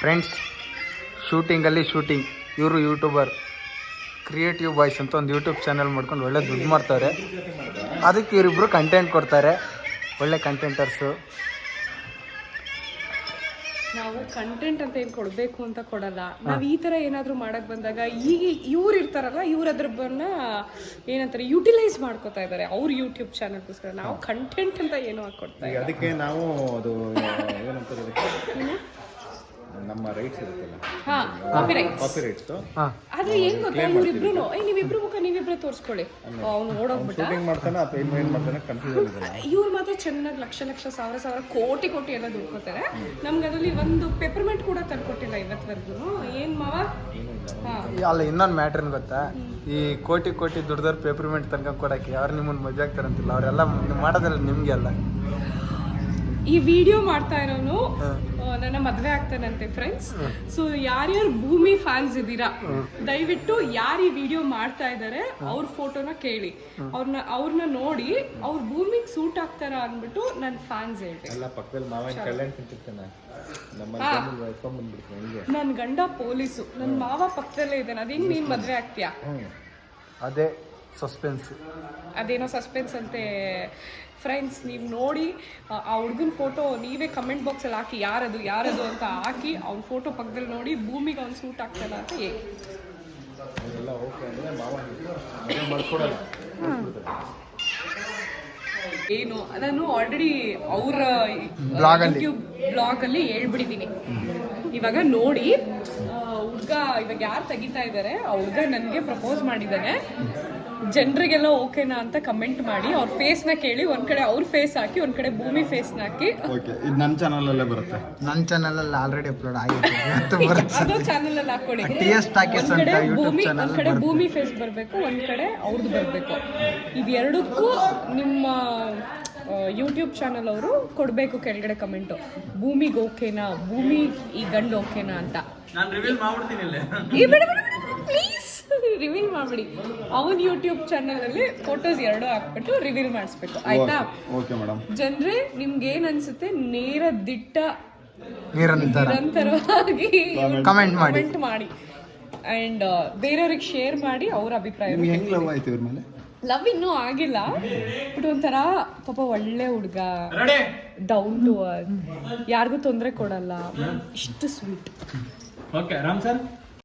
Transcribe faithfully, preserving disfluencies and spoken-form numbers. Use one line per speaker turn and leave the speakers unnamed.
Friends, ಶೂಟಿಂಗಲ್ಲಿ shooting. ಇವರು YouTuber creative boys ಅಂತ ಒಂದು ಯೂಟ್ಯೂಬ್ ಚಾನಲ್ ಮಾಡ್ಕೊಂಡು ಒಳ್ಳೆ ದುಡ್ಡು ಮಾಡ್ತಾರೆ. ಅದಕ್ಕೆ ಇವರಿಬ್ಬರು ಕಂಟೆಂಟ್ ಕೊಡ್ತಾರೆ, ಒಳ್ಳೆ ಕಂಟೆಂಟರ್ಸು.
ನಾವು ಕಂಟೆಂಟ್ ಅಂತ ಏನು ಕೊಡಬೇಕು ಅಂತ ಕೊಡಲ್ಲ. ನಾವು ಈ ಥರ ಏನಾದರೂ ಮಾಡಕ್ಕೆ ಬಂದಾಗ ಈಗ ಇವ್ರು ಇರ್ತಾರಲ್ಲ, ಇವ್ರು ಅದ್ರನ್ನ ಏನಂತಾರೆ ಯುಟಿಲೈಸ್ ಮಾಡ್ಕೋತಾ ಇದ್ದಾರೆ ಅವ್ರ ಯೂಟ್ಯೂಬ್ ಚಾನಲ್ಗೋಸ್ಕರ. ನಾವು ಕಂಟೆಂಟ್ ಅಂತ ಏನೋ ಹಾಕೊಡ್ತಾ
ಈಗ ಅದಕ್ಕೆ ನಾವು ಅದು ಏನಂತಾರೆ ನಮ್ಮ ರೈಟ್ಸ್ ಇರುತ್ತಲ್ಲ,
ಕಾಪಿ ರೈಟ್ಸ್
ಕಾಪಿ ರೈಟ್ಸ್.
ಆದ್ರೆ ಏನ್ ಗೊತ್ತಾ, ಇವ್ರಿಬ್ರು ಏ ನೀವಿಬ್ರು ಮುಖ ನೀವಿಬ್ರು ತೋರಿಸ್ಕೊಳ್ಳಿ. ಅವ್ನು ಓಡೋಗ್ಬಿಟ್ಟ,
ಶೂಟಿಂಗ್ ಮಾಡ್ತಾನೆ ಅಥವಾ ಏನು ಏನು ಮಾಡ್ತಾನೆ ಕನ್ಫ್ಯೂಷನ್ ಇದೆ.
ಇವ್ರು ಮಾತ್ರ ಚೆನ್ನಾಗಿ ಲಕ್ಷ ಲಕ್ಷ ಸಾವಿರ ಸಾವಿರ ಕೋಟಿ ಕೋಟಿ ಎಲ್ಲ ದುಡ್ಕೋತಾರೆ. ನಮ್ಗೆ ಅದರಲ್ಲಿ ಒಂದು ಪೆಪರ್ಮೆಂಟ್ ಕೂಡ ತಂದ್ಕೊಟ್ಟಿಲ್ಲ ಇವತ್ತವರೆಗೂ. ಏನ್ ಮಾವ?
ಅಲ್ಲ, ಇನ್ನೊಂದು ಮ್ಯಾಟ್ರನ್ ಗೊತ್ತಾ, ಈ ಕೋಟಿ ಕೋಟಿ ದುಡ್ದವ್ರು ಪೇಪರ್ಮೆಂಟ್ ತನಕ ಕೊಡಕ್ಕೆ ಅವ್ರು ನಿಮ್ಮನ್ನು ಮದುವೆ ಆಗ್ತಾರಂತಿಲ್ಲ. ಅವರೆಲ್ಲ ಮಾಡೋದಿಲ್ಲ ನಿಮ್ಗೆ ಅಲ್ಲ.
ಈ ವಿಡಿಯೋ ಮಾಡ್ತಾ ಇರೋನು ನನ್ನ ಮದ್ವೆ ಆಗ್ತಾನಂತೆ ಫ್ರೆಂಡ್ಸ್. ಸೊ ಯಾರ್ಯಾರು ಭೂಮಿ ಫ್ಯಾನ್ಸ್ ಇದ್ದೀರಾ, ದಯವಿಟ್ಟು ಯಾರು ಈ ವಿಡಿಯೋ ಮಾಡ್ತಾ ಇದ್ದಾರೆ ಅವ್ರ ಫೋಟೋನ ಕೇಳಿ, ಅವ್ರನ್ನ ಅವ್ರನ್ನ ನೋಡಿ ಅವ್ರ ಭೂಮಿಗೆ ಸೂಟ್ ಆಗ್ತಾರ ಅಂದ್ಬಿಟ್ಟು ನನ್ನ ಫ್ಯಾನ್ಸ್ ಹೇಳ್ತೀನಿ. ನನ್ನ ಗಂಡ ಪೊಲೀಸು, ನನ್ನ ಮಾವ ಪಕ್ಕದಲ್ಲೇ ಇದ್ದಾನೆ. ಅದೇನು ನೀನ್ ಮದ್ವೆ ಆಗ್ತೀಯಾ?
ಅದೇ ಸಸ್ಪೆನ್ಸ್,
ಅದೇನೋ ಸಸ್ಪೆನ್ಸ್ ಅಂತೆ ಫ್ರೆಂಡ್ಸ್. ನೀವು ನೋಡಿ ಆ ಹುಡುಗನ ಫೋಟೋ ನೀವೇ ಕಮೆಂಟ್ ಬಾಕ್ಸಲ್ಲಿ ಹಾಕಿ, ಯಾರದು ಯಾರದು ಅಂತ ಹಾಕಿ ಅವ್ನ ಫೋಟೋ ಪಕ್ಕದಲ್ಲಿ ನೋಡಿ ಭೂಮಿಗೆ ಅವ್ನು ಸೂಟ್ ಆಗ್ತಾನ ಅಂತ ಹೇಳಿ. ಏನು ನಾನು ಆಲ್ರೆಡಿ ಅವ್ರ ಯೂಟ್ಯೂಬ್ ಬ್ಲಾಗ್ ಅಲ್ಲಿ ಹೇಳ್ಬಿಟ್ಟಿದ್ದೀನಿ. ಇವಾಗ ನೋಡಿ, ಹುಡ್ಗ ಇವಾಗ ಯಾರು ತೆಗಿತಾ ಇದ್ದಾರೆ, ಆ ಹುಡ್ಗ ನನಗೆ ಪ್ರಪೋಸ್ ಮಾಡಿದ್ದಾನೆ. ಜನರಿಗೆಲ್ಲ ಓಕೆನಾ ಅಂತ ಕಮೆಂಟ್ ಮಾಡಿ ಅವ್ರ ಫೇಸ್ನ ಕೇಳಿ, ಒಂದ್ ಕಡೆ ಅವ್ರ ಫೇಸ್ ಹಾಕಿ, ಒಂದ್ ಕಡೆ ಭೂಮಿ ಫೇಸ್ನ ಹಾಕಿ.
ಇದು ನನ್ನ ಚಾನಲ್ ಅಲ್ಲೇ ಬರುತ್ತೆ.
ನನ್ನ ಚಾನಲ್ ಅಲ್ಲಿ ಆಲ್ರೆಡಿ ಅಪ್ಲೋಡ್ ಆಗಿದೆ.
ಅದು ಚಾನಲ್ ಅಲ್ಲಿ ಹಾಕೊಳ್ಳಿ. ಒಂದ್ ಕಡೆ ಭೂಮಿ ಒಂದ್ ಕಡೆ ಭೂಮಿ ಫೇಸ್ ಬರ್ಬೇಕು, ಒಂದ್ ಕಡೆ ಅವ್ರದ್ದು ಬರ್ಬೇಕು. ಇದೆರಡಕ್ಕೂ ನಿಮ್ಮ ಯೂಟ್ಯೂಬ್ ಚಾನಲ್ ಅವರು ಕೊಡಬೇಕು ಕೆಳಗಡೆ ಕಮೆಂಟು, ಭೂಮಿಗೆ ಓಕೆನಾ, ಭೂಮಿ ಈ ಗಂಡು ಓಕೆನಾ ಅಂತ. ಪ್ಲೀಸ್ ರಿವೀಲ್ ಮಾಡ್ಬಿಡಿ. ಅವನ್ ಯೂಟ್ಯೂಬ್ ಚಾನಲ್ ಅಲ್ಲಿ ಫೋಟೋಸ್ ಎರಡು ಹಾಕ್ಬಿಟ್ಟು ರಿವೀಲ್ ಮಾಡಿಸ್ಬೇಕು, ಆಯ್ತಾ? ಜನರೇ, ನಿಮ್ಗೆ ಏನ್ ಅನ್ಸುತ್ತೆ ನೇರ ದಿಟ್ಟ ನಿರಂತರವಾಗಿ
ಕಮೆಂಟ್ ಮಾಡಿ
ಕಮೆಂಟ್ ಮಾಡಿ ಅಂಡ್ ಬೇರೆಯವ್ರಿಗೆ ಶೇರ್ ಮಾಡಿ ಅವ್ರ ಅಭಿಪ್ರಾಯ. ಲವ್ ಇನ್ನೂ ಆಗಿಲ್ಲ, ಬಟ್ ಒಂಥರ ಪಾಪ ಒಳ್ಳೆ ಹುಡುಗ, ಡೌನ್ ಟು ಅರ್ತ್, ಯಾರಿಗೂ ತೊಂದರೆ ಕೊಡಲ್ಲ, ಇಷ್ಟು ಸ್ವೀಟ್.
Okay Ram sir.